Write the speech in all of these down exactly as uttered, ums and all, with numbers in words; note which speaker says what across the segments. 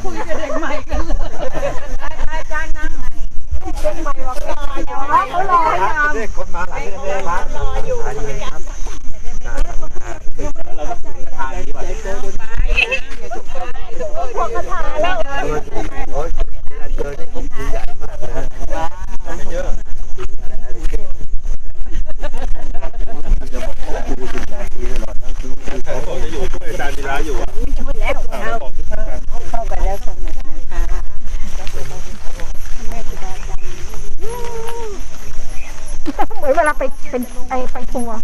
Speaker 1: คุยกับเด็กใหม่กันเลยอาจารย์นั่งไงเด็กใหม่บอกรออยู่เขารออยู่เด็กคนมาหลายเดือนเลยครับรออยู่ครับเราต้องถึงทางนี้ว่ะพวกกระถาแล้วโอ้ยเจอได้ครบใหญ่มากเลยเยอะจะบอกว่าดูสิบนาทีตลอดทั้งคืนเขาจะอยู่ช่วยอาจารย์ธีระอยู่ช่วยแล้วเข้าไปแล้วสนุกนะคะเหมือนเวลาไปเป็นไอไปทัวร์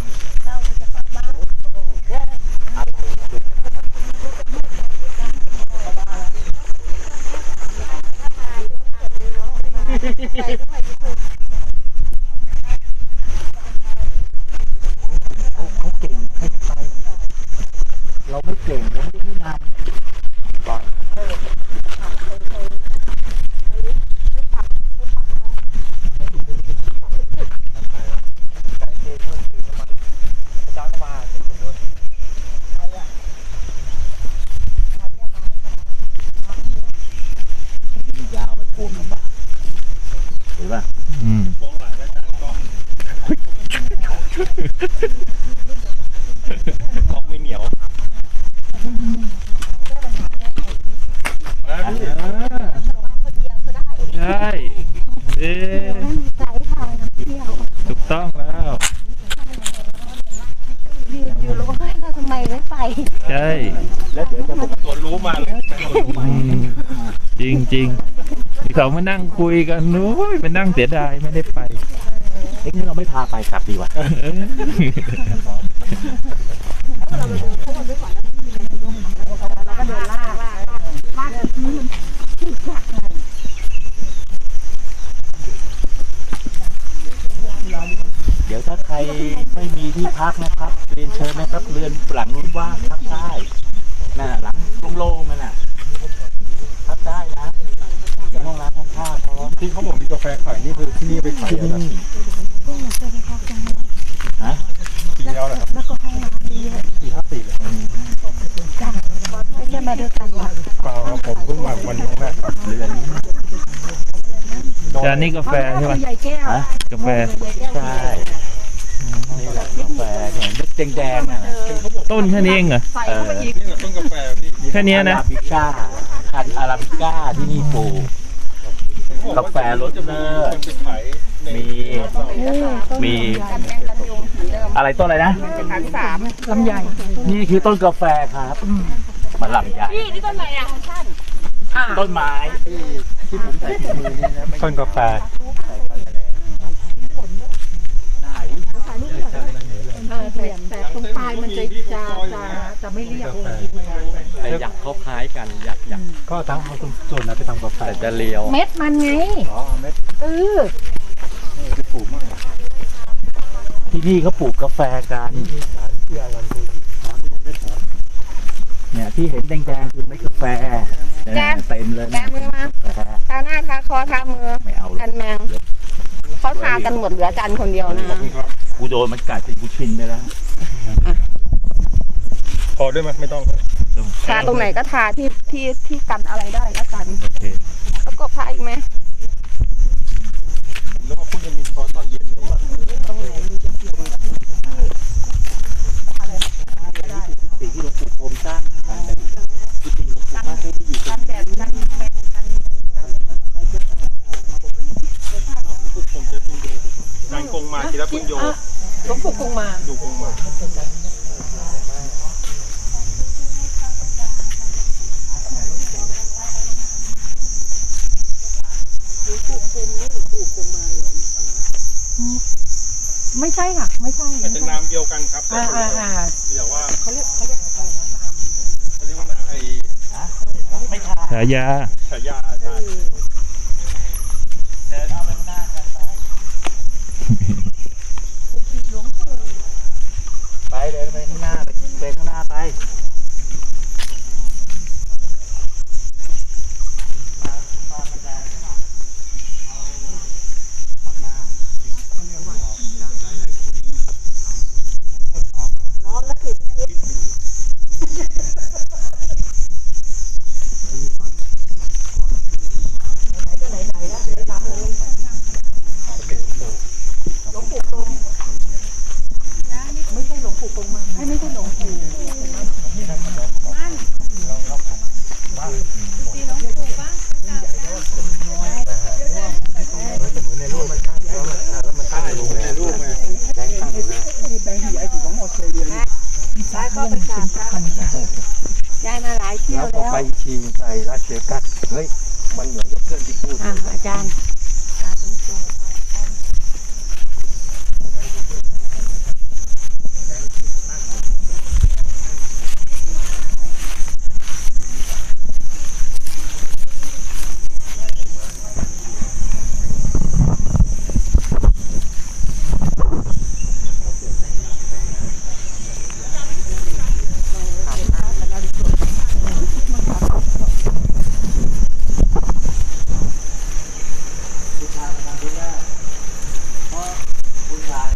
Speaker 1: เขาเก่งให้ไปเราไม่เก่งเราไม่ได้นำก่อนยาวไปพวงลำบากเห็นป่ะอืมพวงหลายแล้วกันก็กอกไม่เหนียวใช่เอ๊ะถูกต้องแล้วอยู่แล้วก็ให้เราทำไมไม่ไปใช่แล้วเดี๋ยวจะบอกตัวรู้มาเลยจริงจริงเขามานั่งคุยกันนู้ยมานั่งเสียดายไม่ได้ไปเอ๊ะนี่เราไม่พาไปกลับดีกว่าเดี๋ยวถ้าใครไม่มีที่พักนะครับเรียนเชิญนะครับเรือนหลังนู้นว่างพักได้น่ะหลังโล่งๆนั่นน่ะพักได้นะห้องน้ำห้องท่าพร้อมที่เขาบอกมีกาแฟขายนี่คือที่นี่ไปขายอะไรฮะปีแล้วเหรอครับแล้วก็ห้องน้ำดีปีห้าสี่เลยจ้าไม่ใช่มาด้วยกันหรอเปล่าครับผมเพิ่งมาวันนี้แรกเรือนนี้จานนี้กาแฟใช่ไหมฮะกาแฟใช่นี่แหละกาแฟเนี่ยเม็ดแดงๆน่ะต้นแค่นี้เองเหรอเออนี่ต้นกาแฟแค่นี้นะอาราบิก้าพันธุ์อาราบิก้าที่นี่ปลูกกาแฟรสเนอร์มีมีอะไรต้นอะไรนะพันสามลำไยนี่คือต้นกาแฟครับมันลำไยนี่ต้นอะไรอ่ะต้นไม้ที่ผมใส่ถุงมือนี่นะต้นกาแฟแต่ตรงปลายมันจะจะจะจะไม่เรียบแต่อยากเขาคล้ายกันอยากอยากก็ทั้งเอาตรงส่วนนั้นไปทำกาแฟแต่จะเลียวเม็ดมันไงอ๋อเม็ดเออนี่ปลูกมากที่นี่เขาปลูกกาแฟกันเนี่ยที่เห็นแดงๆคือเม็ดกาแฟแกเต็มเลยแกมือมาทาหน้าทาคอทามือไม่เอากันแมงเขาทากันหมดเหลือจันคนเดียวนะกูโดนมันกัดสิกูชินไปแล้วพอได้ไหมไม่ต้องทาตรงไหนก็ทาที่ที่ที่กันอะไรได้แล้วกันแล้วก็พาอีกไหมแล้วก็คุณจะมีพอตอนเย็นตรงไหนสิ่งที่หลวงปู่พรมสร้างที่สิ่งหลวงปู่มาให้ที่อยู่กันแดดกันแมงกันผมจะเป็นงานกงมาทีละปุญโยหลวงปู่กงมาดูกงมาไม่ใช่ค่ะไม่ใช่อาจจะนามเดียวกันครับอ่าอ่าอ่าเดี๋ยวว่าเขาเรียกเขาเรียกอะไรนะนามเขาเรียกว่านามไอ้ไม่ใช่ฉายาฉายาใช่เดินเอาไปข้างหน้ากันไปไปเดินไปข้างหน้าไปเดินข้างหน้าไปมากเลย
Speaker 2: ตีหลวงปู่ปะ
Speaker 1: เหมือนในรูปมันตั้งแล้วมันแล้วมันตั้งลงในรูปไงแดงตั้งนะแดงที่ไอ้ของออสเตรเลียนี่
Speaker 2: ย้ายก็ไปกราบพระย้ายมาหลายเที่ยวแล้ว
Speaker 1: ไปทีไปราชเชกัสเฮ้ยมันเหมือนกับเพื่อนที่พูด
Speaker 2: อาจารย์